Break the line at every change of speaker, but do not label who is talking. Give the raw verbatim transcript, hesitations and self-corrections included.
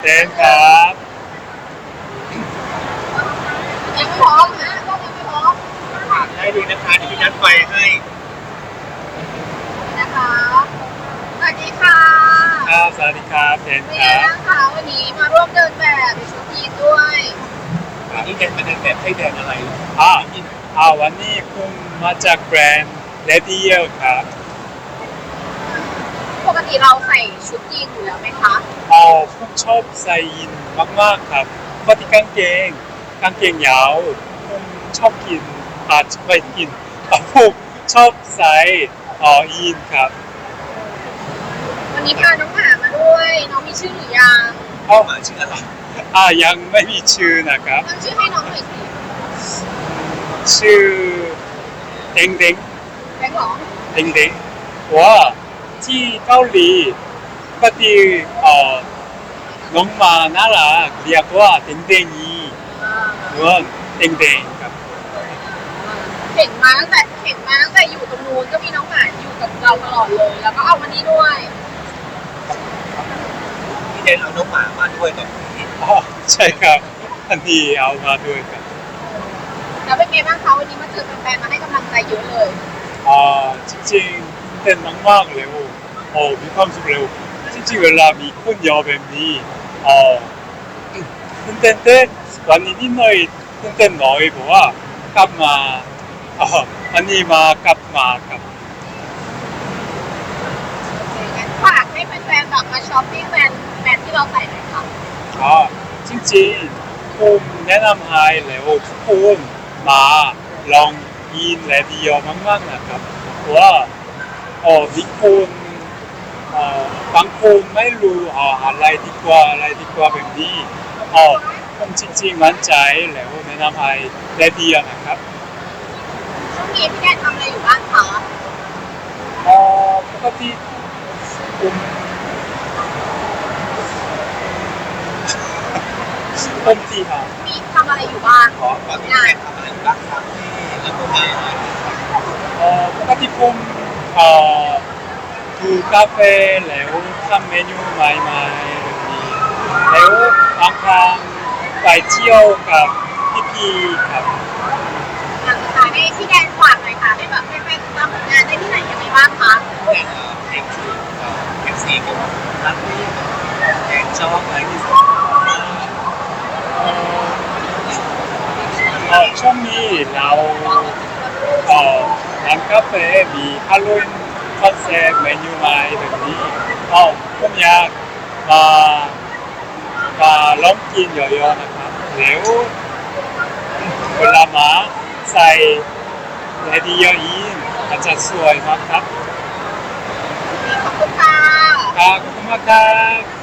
เต้นครับ
ยังไม่พร้อมนะก็ยังไม่พร้อม
ได้ดีนะคะที่พี่นัดไฟให้
นะคะสวัสดีค่ะ
ครับสวัสดีครับเต้น
เป็นไง
ครับ
บ้างคะวันนี้มาร่วมเดินแบบในชุดยีนด้วย
วันนี้เดินมาเดินแบบให้แดงอะไร
อ่าอ่าวันนี้ผมมาจากแบรนด์เลดี้เยลครับ
ปกติเราใส่ชุดยีนอยู่แล้วไหมคะ
อ๋อผมชอบใส่ยีนมากๆครับปกติกางเกงกางเกงยาวผมชอบกินอาจจะไม่กินแต่ผมชอบใส่อ๋อยีนครับ
วันนี้พาน้องหมามาด้วยน้องมีชื่อหรือยัง
อ๋อ
หมาชื่ออะไร
อ่ายังไม่มีชื่อนะครับ
ตั้งชื่อให้น้องหน่อยสิ
ชื่อเด้งเด้ง
แบงค์หรอ
เด้งเด้งว่าที่เกาหลีปกติเอ่อน้องหมาน่ารักเรียกว่าเด้งเด้งอีหรือว่าเด้งเด้งครับ
เห็นมาตั้งแต่เห็นมาตั้งแต่อยู่ตรงนู้นก็มีน้องหมาอยู่กับเราตลอดเลยแล้วก็เอามานี่ด้วย
พี่เดนเอาน้องหมามาด้วยตอนนี้
อ๋อใช่ครับอันนี้เอามาด้วยครับ
แล้วเป็นไงบ้างคะวันนี้มาเจอแฟนๆมาให้กำลังใจเยอะเลย
อ่าจริงๆเต้นมากๆเร็วโอ้มีความสุขเร็วจริงๆเวลามีคนเยอะแบบนี้อ๋อตื่นเต้นเต้นวันนี้นิดหน่อยตื่นเต้นน้อยเพราะว่ากลับมาอ๋ออันนี้มากลับมาครับ
งั้นฝากให้แฟนๆแบบมาช้อปปิ้งแบรนด์แบรนด์ที่เราใส่หน่อยค่ะ
อ๋อจริงๆผมแนะนำให้แล้วทุกคนมาลองกินและดีมากๆนะครับเพราะว่าเออมีคนเอ่อบางคนไม่รู้อ่าอะไรดีกว่าอะไรดีกว่าแบบนี้อ๋อผมจริงๆมั่นใจแล้วแนะนำให้และดีนะครับ
ช่วงนี้พี่แดนทำอะไรอยู่บ้างคะ
อ๋อปกติผมผมที่หา
มีทำอะไรอยู่บ้าง
ขอตอนนี้พี่เดนทำอะไรบ้างครับแล้วก็มา
เอ่อปกติผมเอ่อดูกาแฟแล้วทำเมนูใหม่ๆแบบนี้แล้วบางครั้งไปเที่ยวกับพี่ๆครับ
อยากจะให้พี่แดนฝากหน่อยค่ะให้แบบแฟนๆติดตามผลงานได้ที่ไหนยังไงบ้างคะ
แดนเอ็กซ์เอ็กซ์ซีกับรักนี่แดนชอบอะไรที่สุด
เอ่อเอ่อช่วงนี้เราเอ่อร้านกาแฟมีฮาโลวีนคอนเซ็ปต์เมนูใหม่แบบนี้อ๋อผมอยากมามาลองกินเยอะๆนะครับแล้วเวลามาใส่เลดี้เยอะอีนอาจจะสวยมากครับ
ขอบคุณค่ะ
ครับขอบคุณมากครับ